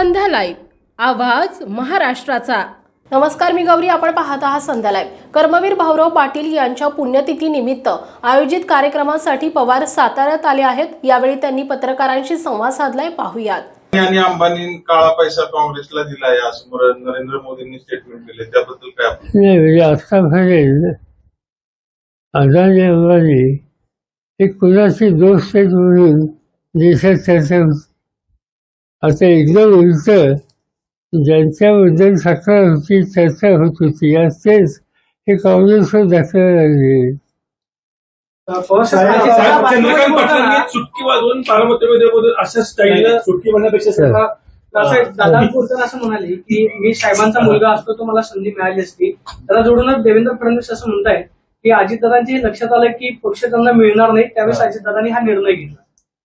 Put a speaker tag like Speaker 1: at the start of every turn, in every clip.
Speaker 1: संध्या live, आवाज महाराष्ट्राचा। नमस्कार, मी गौरी, आपण पाहत आहात संध्या लाईव्ह। कर्मवीर भाऊराव पाटील यांच्या पुण्यतिथी निमित्त आयोजित कार्यक्रमासाठी पवार साताऱ्यात आले आहेत। यावेळी त्यांनी पत्रकारांशी संवाद साधलाय, पाहूयात।
Speaker 2: आणि अंबानी काळा पैसा काँग्रेसला दिलाय असं नरेंद्र मोदींनी स्टेटमेंट केले, त्याबद्दल काय आपण?
Speaker 3: नाही, म्हणजे आतापर्यंत अदानी अंबानी हे कुणाची दोस्त आहेत म्हणून देशात चर्चा होती। आता एकदम उलट ज्यांच्याबद्दल तक्रार होती, चर्चा होत होती, तेच हे काँग्रेसवर दाखवायला लागले।
Speaker 4: चंद्रकांत पाटलांनी चुटकी वाजवून पार्वतीमध्ये अशा स्टाईलनं चुटकी म्हणण्यापेक्षा
Speaker 5: दादा बोलताना असं म्हणाले की मी साहेबांचा मुलगा असतो तर मला संधी मिळाली असती। त्याला जोडूनच देवेंद्र फडणवीस असं म्हणतायत की अजितदादांची लक्षात आलं की पक्ष त्यांना मिळणार नाही, त्यावेळेस अजितदादांनी हा निर्णय घेतला।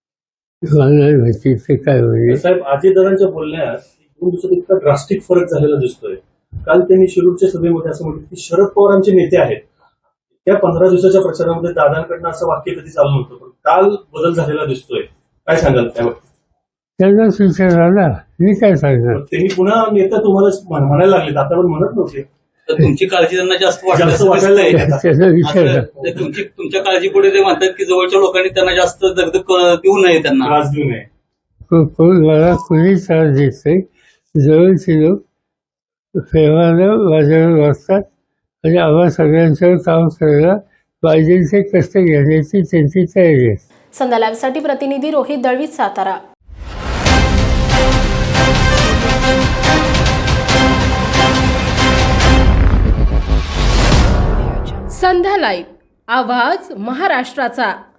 Speaker 3: काय म्हणजे
Speaker 4: साहेब, अजितदादांच्या बोलण्यात 2 दिवसात इतका ड्रास्टिक फरक झालेला दिसतोय। काल त्यांनी शिरूरच्या सभेमध्ये असं म्हटलं की शरद पवार आमचे नेते आहेत। त्या 15 दिवसाच्या प्रचारामध्ये दादांकडनं असं वाक्य कधी चालू नव्हतं, पण काल बदल झालेला दिसतोय। काय सांगाल त्यावर?
Speaker 3: त्यांनाच विचारायला मी काय सांगणार?
Speaker 4: त्यांनी पुन्हा नेता तुम्हाला म्हणायला लागले, आता पण म्हणत नव्हते।
Speaker 6: तर तुमची काळजी त्यांना जास्त
Speaker 4: वाटायला
Speaker 3: त्यांना विचार
Speaker 6: तुमच्या काळजीपुढे ते म्हणतात की जवळच्या लोकांनी त्यांना जास्त दगदग देऊ नये, त्यांना
Speaker 4: त्रास देऊ नये।
Speaker 3: मला कोणी त्रास देत नाही। जवळचे लोक प्रेमानं माझ्यावर वागतात आणि आम्हा सगळ्यांच्यावर काम करायला पाहिजे ते कष्ट घेण्याची त्यांची तयारी आहे।
Speaker 1: संध्या लाईव्हसाठी प्रतिनिधी रोहित दळवी, सातारा। संध्या लाईव्ह, आवाज महाराष्ट्राचा।